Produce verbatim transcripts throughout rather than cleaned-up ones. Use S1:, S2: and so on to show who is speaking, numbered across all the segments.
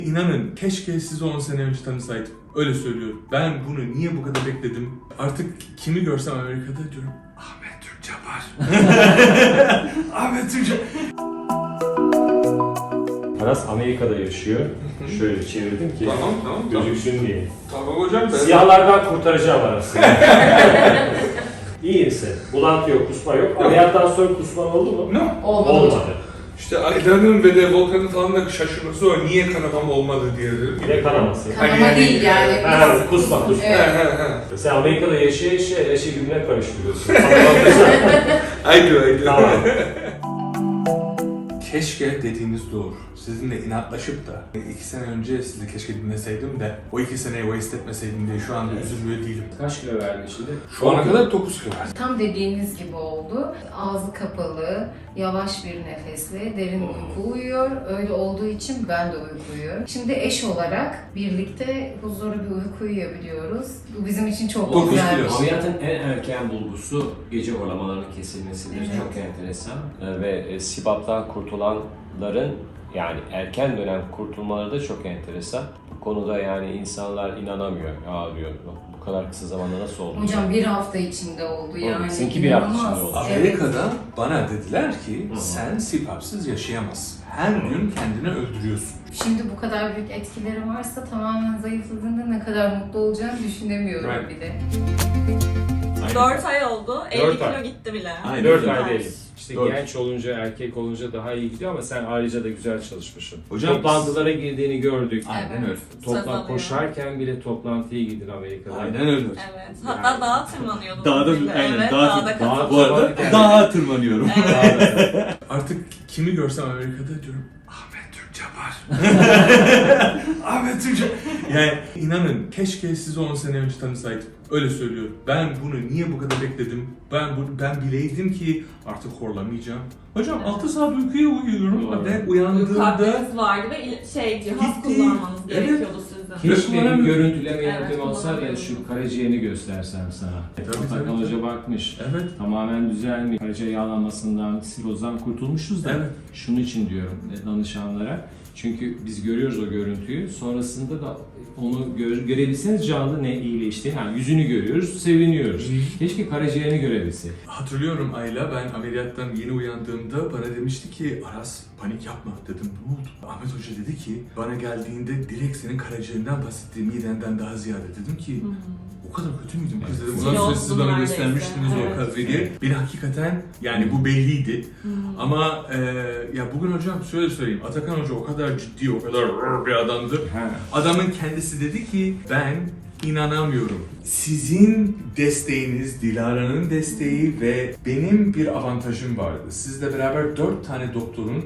S1: İnanın keşke sizi on sene önce tanısaydım. Öyle söylüyorum. Ben bunu niye bu kadar bekledim? Artık kimi görsem Amerika'da diyorum Ahmet Türkçe var. Ahmet Türkçe.
S2: Aras Amerika'da yaşıyor. Şöyle çevirdim ki
S1: Tamam tamam tamam.
S2: gözüksün diye.
S1: Tamam hocam ben...
S2: Siyahlardan kurtaracağım Aras'ı. İyi misin? Bulantı yok, kusma yok. Ameliyattan sonra kusman oldu mu?
S1: Ne?
S3: Olmadı.
S2: Olmadı.
S1: İşte Ayda'nın ve de Volkan'ın falan da şaşırması o. Niye kanamam olmadı diye dedim.
S2: Bir de kanaması.
S3: Kanama
S1: Hani yani-
S3: değil yani.
S2: Ha, kusma, kusma.
S1: He
S3: Evet.
S1: he he.
S2: Sen Amerika'da yaşaya yaşaya her şeyi birbirine karıştırıyorsun.
S1: Aydı aydı.
S2: Tamam.
S1: Keşke dediğiniz doğru. Sizinle inatlaşıp da iki sene önce sizi keşke dinleseydim de o iki seneyi waste etmeseydim diye şu anda üzülmüyor değilim.
S2: Kaç kilo verdin şimdi?
S1: Şu ana kadar dokuz kilo verdim.
S3: Tam dediğiniz gibi oldu. Ağzı kapalı, yavaş bir nefesle derin uyku uyuyor. Öyle olduğu için ben de uyku uyuyorum. Şimdi eş olarak birlikte huzurlu bir uyku uyuyabiliyoruz. Bu bizim için çok
S1: Dokuz
S3: güzel
S1: kilo.
S3: bir şey.
S4: Ameliyatın en erken bulgusu gece horlamalarının kesilmesidir.
S3: Evet.
S4: Çok enteresan.
S2: Ee, Ve e, S I B A P'tan kurtulanların yani erken dönem kurtulmaları da çok enteresan. Bu konuda yani insanlar inanamıyor. Aa diyor bu kadar kısa zamanda nasıl oldu?
S3: Hocam bir hafta içinde oldu yani.
S2: Seninki bir hafta
S3: İnanılmaz.
S2: içinde oldu.
S3: Evet.
S1: Amerika'da bana dediler ki
S2: Hı hı.
S1: sen S I P A P'sız yaşayamazsın. Her gün kendini öldürüyorsun.
S3: Şimdi bu kadar büyük etkileri varsa tamamen zayıfladığında ne kadar mutlu olacağını düşünemiyorum
S1: Right.
S3: bir de.
S5: dört ay oldu. elli
S2: Dört
S5: kilo
S2: ay.
S5: gitti bile.
S1: Aynen.
S2: dört
S1: Güzel.
S2: ay değil. İşte
S1: Dört.
S2: genç olunca, erkek olunca daha iyi gidiyor ama sen ayrıca da güzel çalışmışsın.
S1: Hocam-
S2: Toplantılara girdiğini gördük.
S1: Aynen öyle.
S5: Söz
S2: Toplan
S5: alıyor.
S2: koşarken bile toplantıya gidin Amerika'da.
S1: Aynen öyle.
S5: Evet. Hatta dağa tırmanıyordum.
S6: Dağda-
S5: bile.
S6: aynen,
S5: evet,
S6: dağa-
S5: dağda
S2: dağa-
S5: katıldım.
S6: Bu arada dağa tırmanıyorum.
S5: Evet.
S1: Artık kimi görsem Amerika'da diyorum Ahmet Türkçe var. Ahmet Türkçe. Yani inanın keşke sizi on sene önce tanısaydım. Öyle söylüyorum. Ben bunu niye bu kadar bekledim? Ben bunu ben bileydim ki artık horlamayacağım. Hocam
S5: Evet.
S1: altı saat uykuya uyuyorum
S2: Doğru.
S1: ve
S5: Uyku
S1: uyandığımda
S5: hakkınız vardı ve il- şey cihaz
S1: Gitti.
S5: kullanmanız
S1: Evet.
S5: gerekiyordu sizin.
S2: Keşke bir
S1: Kullanamıyorum.
S2: görüntüleme
S5: Evet,
S2: yöntemi olsa da
S5: kullanamıyorum.
S2: şu karaciğerini göstersem sana.
S1: E, tabii,
S2: Atakan
S1: tabii,
S2: Hoca
S1: tabii.
S2: bakmış.
S1: evet.
S2: Tamamen düzelmiş. Karaciğer yağlanmasından, sirozdan kurtulmuşuz da
S1: Evet.
S2: şunun için diyorum danışanlara. Çünkü biz görüyoruz o görüntüyü. Sonrasında da onu gör, görebilseniz canlı ne iyileştiğini, yani yüzünü görüyoruz, seviniyoruz.
S1: Hı.
S2: Keşke karaciğerini görebilsek.
S1: Hatırlıyorum Ayla, ben ameliyattan yeni uyandığımda bana demişti ki Aras panik yapma dedim, ne oldu? Ahmet Hoca dedi ki bana geldiğinde direkt senin karaciğerinden bahsetti, midenden daha ziyade. Dedim ki o kadar kötü müydüm kız dedim.
S5: Evet.
S1: Ulan sonra siz
S5: Kiloslu
S1: bana
S5: neredeyse.
S1: göstermiştiniz
S5: Evet.
S1: o kafeyi. Bir hakikaten yani bu belliydi. Ama e, ya bugün hocam şöyle söyleyeyim, Atakan Hoca o kadar ciddi, o kadar bir adamdı.
S2: Ha.
S1: Adamın kendisi dedi ki ben inanamıyorum. Sizin desteğiniz, Dilara'nın desteği ve benim bir avantajım vardı. Sizle beraber dört tane doktorun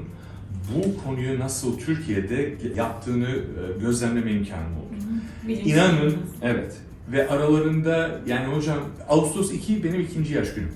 S1: bu konuyu nasıl Türkiye'de yaptığını e, gözlemleme imkanım oldu.
S5: Bilinçli.
S1: İnanın, evet. Ve aralarında yani hocam Ağustos iki benim ikinci yaş günüm.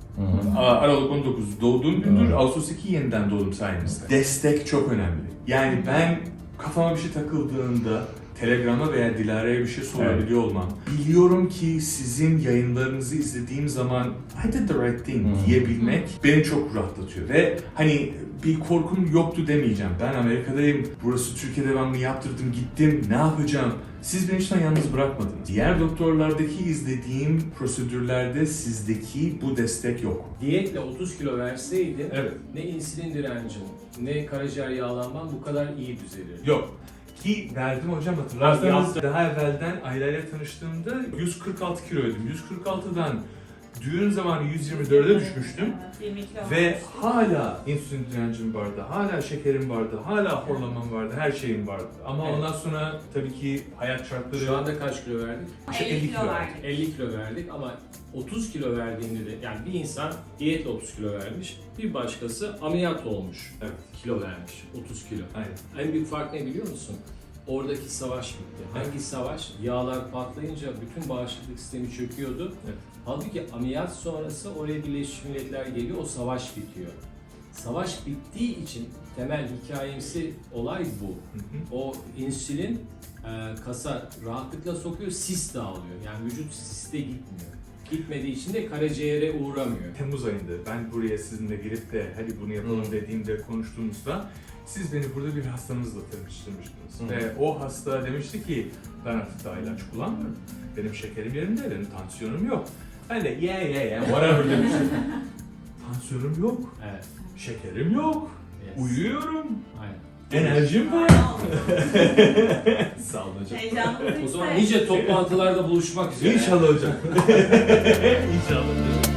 S1: Aa, Aralık on dokuz doğduğum gündür, Ağustos iki yeniden doğdum sayenizde. Destek çok önemli. Yani ben kafama bir şey takıldığında Telegram'a veya Dilara'ya bir şey sorabiliyor olmam. Biliyorum ki sizin yayınlarınızı izlediğim zaman I did the right thing diyebilmek beni çok rahatlatıyor. Ve hani bir korkum yoktu demeyeceğim. Ben Amerika'dayım, burası Türkiye'de ben bunu yaptırdım, gittim, ne yapacağım? Siz beni hiç yalnız bırakmadınız. Diğer doktorlardaki izlediğim prosedürlerde sizdeki bu destek yok.
S2: Diyetle otuz kilo verseydin
S1: Evet.
S2: ne insülin direncin, ne karaciğer yağlanman bu kadar iyi düzelirdi.
S1: Yok. Ki verdim hocam, hatırlarsanız daha evvelden Ayla ile tanıştığımda yüz kırk altı kiloydum. yüz kırk altıdan düğün zamanı yüz yirmi dörde düşmüştüm.
S5: Evet, yirmi kilo
S1: Ve
S5: olmuş.
S1: hala insülin direncim vardı, hala şekerim vardı, hala horlamam vardı, her şeyim vardı. Ama
S2: Evet.
S1: ondan sonra tabii ki hayat şartları...
S2: Şu anda kaç kilo verdik?
S1: İşte
S5: elli
S1: elli
S5: kilo
S1: kilo
S5: verdik.
S2: elli kilo verdik ama otuz kilo verdiğinde de yani bir insan diyetle otuz kilo vermiş, bir başkası ameliyat olmuş,
S1: Evet.
S2: kilo vermiş, otuz kilo.
S1: Aynen.
S2: En büyük fark ne biliyor musun? Oradaki savaş bitti. Hangi savaş? Yağlar patlayınca bütün bağışıklık sistemi çöküyordu.
S1: Evet.
S2: Halbuki ameliyat sonrası oraya Birleşmiş Milletler geliyor, o savaş bitiyor. Savaş bittiği için temel hikayemsi olay bu.
S1: Hı hı.
S2: O insülin e, kasa rahatlıkla sokuyor, sis dağılıyor. Yani vücut siste gitmiyor.
S4: gitmediği için de karaciğere uğramıyor.
S1: Temmuz ayında ben buraya sizinle gelip de hadi bunu yapalım
S2: Hı.
S1: dediğimde konuştuğumuzda siz beni burada bir hastamızla tanıştırmıştınız.
S2: Hı.
S1: Ve o hasta demişti ki ben artık daha ilaç kullanmıyorum. Benim şekerim yerinde, benim tansiyonum yok. Ben de yeah yeah yeah whatever demiştim. Tansiyonum yok,
S4: Evet.
S1: şekerim yok,
S4: Yes.
S1: uyuyorum,
S4: Aynen.
S1: enerjim var. Sağ olun hocam.
S5: Heyecanlı.
S4: O zaman nice toplantılarda buluşmak üzere.
S1: İnşallah hocam. İnşallah.